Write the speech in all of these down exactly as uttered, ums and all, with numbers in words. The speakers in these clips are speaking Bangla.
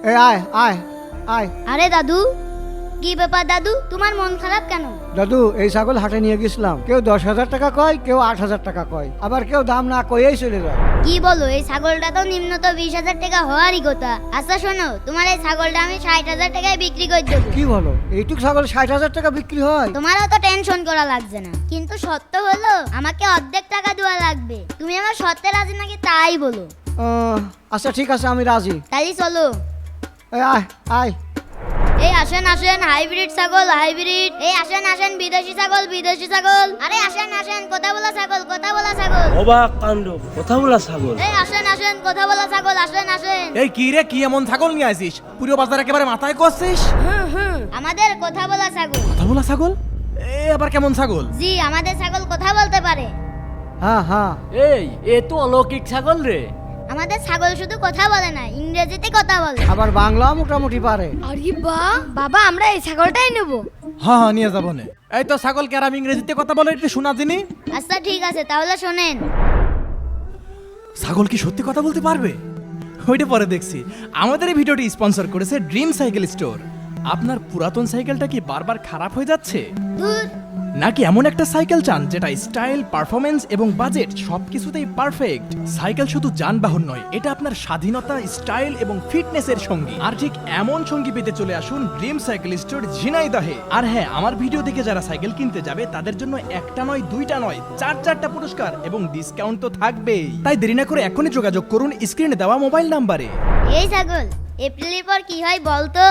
এই আয় আয় আয়। আরে দাদু, কি ব্যাপার দাদু, তোমার মন খারাপ কেন? দাদু, এই ছাগল হাটে নিয়ে গেছিলাম, কেউ দশ হাজার টাকা কয়, কেউ আট হাজার টাকা কয়, আবার কেউ দাম না কয়েই চলে যায়। কি বলো, এই ছাগলটা তো নিম্নত বিশ হাজার টাকা হওয়ারই কথা। আচ্ছা শোনো, তোমার এই ছাগলটা আমি ষাট হাজার টাকায় বিক্রি করে দেবো। কি বলো, এইটুক ছাগল ষাট হাজার টাকা বিক্রি হয়? তোমারও তো টেনশন করা লাগছে না, কিন্তু সত্য হলো আমাকে অর্ধেক টাকা দেওয়া লাগবে। তুমি আমার সত্যে রাজি নাকি তাই বলো। আহ, আচ্ছা ঠিক আছে, আমি রাজি। তাই চলো। এই আয় আয়। এই আসেন আসেন, হাইব্রিড ছাগল হাইব্রিড। এই আসেন আসেন, বিদেশি ছাগল বিদেশি ছাগল। আরে আসেন আসেন, কথা বলা ছাগল কথা বলা ছাগল। অবাক কাণ্ড, কথা বলা ছাগল। এই আসেন আসেন, কথা বলা ছাগল, আসেন আসেন। এই কি রে, কি এমন ছাগল নিয়ে আসিস? পুরো বাজার একেবারে মাথায় করছিস। আমাদের কথা বলা ছাগল। কথা বলা ছাগল? এ আবার কেমন ছাগল? জি, আমাদের ছাগল কথা বলতে পারে। হ্যাঁ হ্যাঁ। এই এ তো অলৌকিক ছাগল রে। আমাদের ছাগল শুধু কথা বলে না, ইংরেজিতে কথা বলে। আবার বাংলা মোটামুটি পারে। আরে বাহ, বাবা আমরা এই ছাগলটাই নেব। হ্যাঁ হ্যাঁ, নিয়ে যাবো নে। এই তো ছাগল কে, আর আমি ইংরেজিতে কথা বলে একটু শোনা দিনি। আচ্ছা ঠিক আছে, তাহলে শোনেন। ছাগল কি সত্যি কথা বলতে পারবে? ওইটা পরে দেখছি। আমাদের এই ভিডিওটি স্পন্সর করেছে ড্রিম সাইকেল স্টোর। আপনার পুরাতন সাইকেলটা কি বারবার খারাপ হয়ে যাচ্ছে, দূর। নাকি এমন একটা সাইকেল চান যেটা স্টাইল, পারফরমেন্স এবং বাজেট সবকিছুতেই পারফেক্ট? সাইকেল শুধু যানবাহন নয়, এটা আপনার স্বাধীনতা, স্টাইল এবং ফিটনেসের সঙ্গী। আর ঠিক এমন সঙ্গী পেতে চলে আসুন ড্রিম সাইকেল স্টোর ঝিনাইদহে। আর হ্যাঁ, আমার ভিডিও দেখে যারা সাইকেল কিনতে যাবে তাদের জন্য একটা নয়, দুইটা নয়, চার চারটা পুরস্কার এবং ডিসকাউন্ট তো থাকবেই। তাই দেরি না করে এখনই যোগাযোগ করুন স্ক্রিনে দেওয়া মোবাইল নাম্বারে। এই ছাগল এপ্রিলের পর কি হয় বলতো?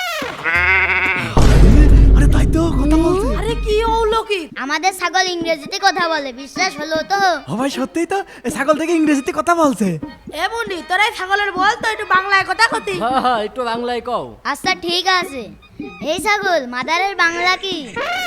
আরে তাই তো, কথা বলছে। আরে কি অলৌকিক! আমাদের ছাগল ইংরেজিতে কথা বলে, বিশ্বাস হলো তো? ও ভাই, সত্যিই তো, এই ছাগল থেকে ইংরেজিতে কথা বলছে। এমনি তোরাই ছাগলের বল তো একটু বাংলায় কথা কতি। হ্যাঁ হ্যাঁ, একটু বাংলায় কও। আচ্ছা ঠিক আছে। এই ছাগল মাদারের বাংলা কি?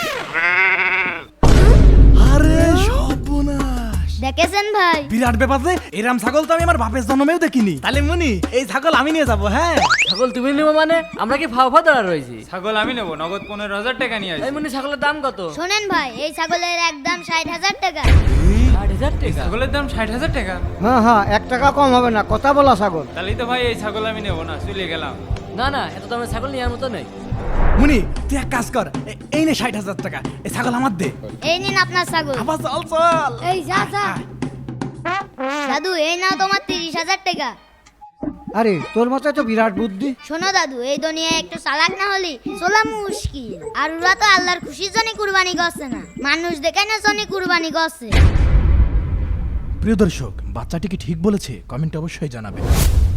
আরে সর্বনাশ, দেখেছেন ভাই? বিরাট ব্যাপার রে। এরম ছাগল তো আমি আমার বাপের জন্মেও দেখিনি। তাহলে মুনি, এই ছাগল আমি নিয়ে যাবো। হ্যাঁ, ছাগল তুমি নেবো মানে? আমরা কি ফাও ফাও দাঁড়া রয়েছি? ছাগল আমি নেবো, নগদ পনেরো হাজার টাকা নিয়ে এই আসি। মনে ছাগলের দাম কত? শোনেন ভাই, এই ছাগলের একদম ষাট হাজার টাকা। ষাট হাজার টাকা? ছাগলের দাম ষাট হাজার টাকা? হ্যাঁ হ্যাঁ, এক টাকা কম হবে না, কথা বলা ছাগল। তাহলেই তো ভাই এই ছাগল আমি নেবো না, চলে গেলাম। না না, এত দামের ছাগল নেওয়ার মতো নেই। মুনি তুই এক কাজ কর, এ- এই নে ষাট হাজার টাকা, এই ছাগল আমার দে। এই নিন আপনার ছাগল। আবার চল চল। এই যা যা। দাদু এই নাও তোমার তিরিশ হাজার টাকা। আরে তোর মাথায় তো বিরাট বুদ্ধি। শোনো দাদু, এই দুনিয়ায় একটু চালাক না হলে চলা মুশকিল। আর ওরা তো আল্লাহর খুশির জন্য কুরবানি করছে না, মানুষ দেখে না জন্য কুরবানি করছে। প্রিয় দর্শক, বাচ্চাটি কি ঠিক বলেছে? কমেন্টে অবশ্যই জানাবেন।